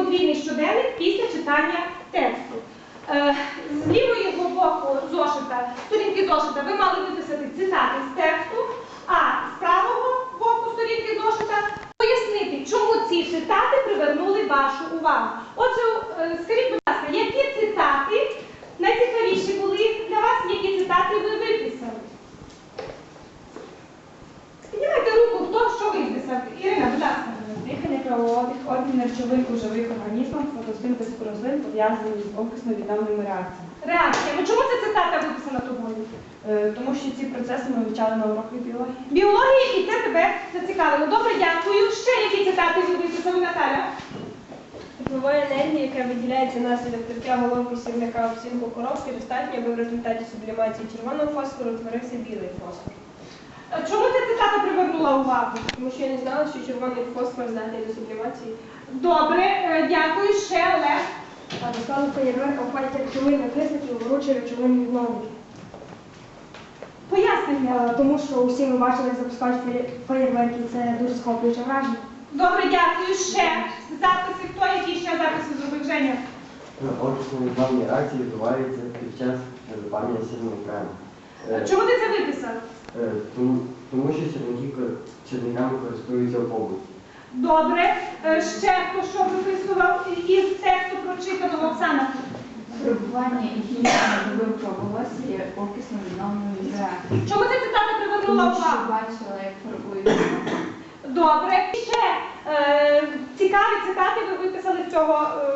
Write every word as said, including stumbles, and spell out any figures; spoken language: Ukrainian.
подвійний щоденник після читання тексту. Е, З лівого боку зошита, сторінки зошита, ви мали виписати цитати з тексту, а з правого боку сторінки зошита пояснити, чому ці цитати привернули вашу увагу. Отже, е, скажіть, будь ласка, які цитати найцікавіші були для вас, які цитати ви виписали? Піднімайте руку, хто що виписав. Ірина, будь ласка. Дихання, кровообіг, обмін речовин у живих організмах, фотосинтез рослин пов'язані з окисно відомими реакціями. Реакціями. Чому ця цитата виписана тобою? Е, тому що ці процеси ми вивчали на уроках біології. Біології, і це тебе зацікавило. Добре, дякую. Ще які цитати ви виписали, Наталя? Теплової енергії, яка виділяється внаслідок тертя головки сірника в сінку коробки, достатньо, аби в результаті сублімації червоного фосфору утворився білий фосфор. Чому ця цитата привернула увагу? Тому що я не знала, що червоний фосфор здатний до сублімації. Добре, е, дякую. Ще Олег. А до складу феєрверка входять речовини окисників, ворочі речовини відновлення. Пояснення. Тому що усі ми бачили, як запускають феє- феєрверки, це дуже схоплююче враження. Добре, дякую. Ще записи. Хто які ще записи зробив, Женя? Окисно відновні реакції відбуваються під час запалення сірного крему. Е, Чому ти це виписав? е, Тому, тому що сірники кор- сірниками користуються в побуті. Добре. Е, Ще хто що виписував із тексту прочитаного, Оксана? Перебування і хімічної добивка волосся є окисно відновленою реакцією. Чому ця цитата привернула Тому що увагу? бачила, як фарбують. Добре. Ще е, цікаві цитати ви виписали з цього е,